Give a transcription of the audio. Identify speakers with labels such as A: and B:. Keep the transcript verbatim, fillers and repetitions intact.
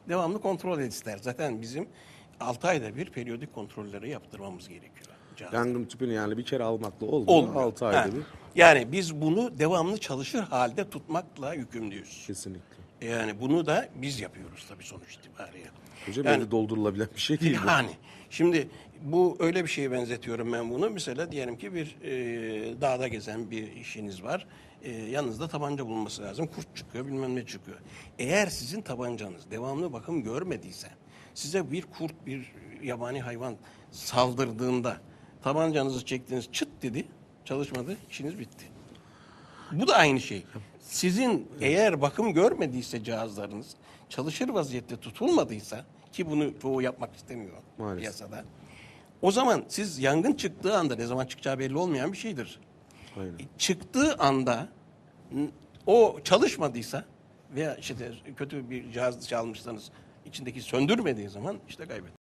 A: devamlı kontrol ister. Zaten bizim altı ayda bir periyodik kontrolleri yaptırmamız gerekiyor. Cihazda.
B: Yangın tüpünü yani bir kere almakla olmuyor.
A: Olmuyor.
B: altı ayda
A: Ha.
B: bir.
A: Yani biz bunu devamlı çalışır halde tutmakla yükümlüyüz.
B: Kesinlikle.
A: Yani bunu da biz yapıyoruz tabii sonuç itibariyle.
B: Hocam
A: Yani-
B: yani, doldurulabilen bir şey değil bu.
A: Yani şimdi bu öyle bir şeye benzetiyorum ben bunu. Mesela diyelim ki bir e, dağda gezen bir işiniz var. E, yanınızda tabanca bulunması lazım. Kurt çıkıyor, bilmem ne çıkıyor. Eğer sizin tabancanız devamlı bakım görmediyse, size bir kurt, bir yabani hayvan saldırdığında tabancanızı çektiniz, çıt dedi, çalışmadı, işiniz bitti. Bu da aynı şey. Sizin eğer bakım görmediyse cihazlarınız, çalışır vaziyette tutulmadıysa, ki bunu çoğu yapmak istemiyor
B: Maalesef.
A: piyasada. O zaman siz yangın çıktığı anda, ne zaman çıkacağı belli olmayan bir şeydir.
B: Aynen.
A: Çıktığı anda n- o çalışmadıysa veya işte kötü bir cihaz çalmışsanız içindeki söndürmediği zaman işte kaybettik.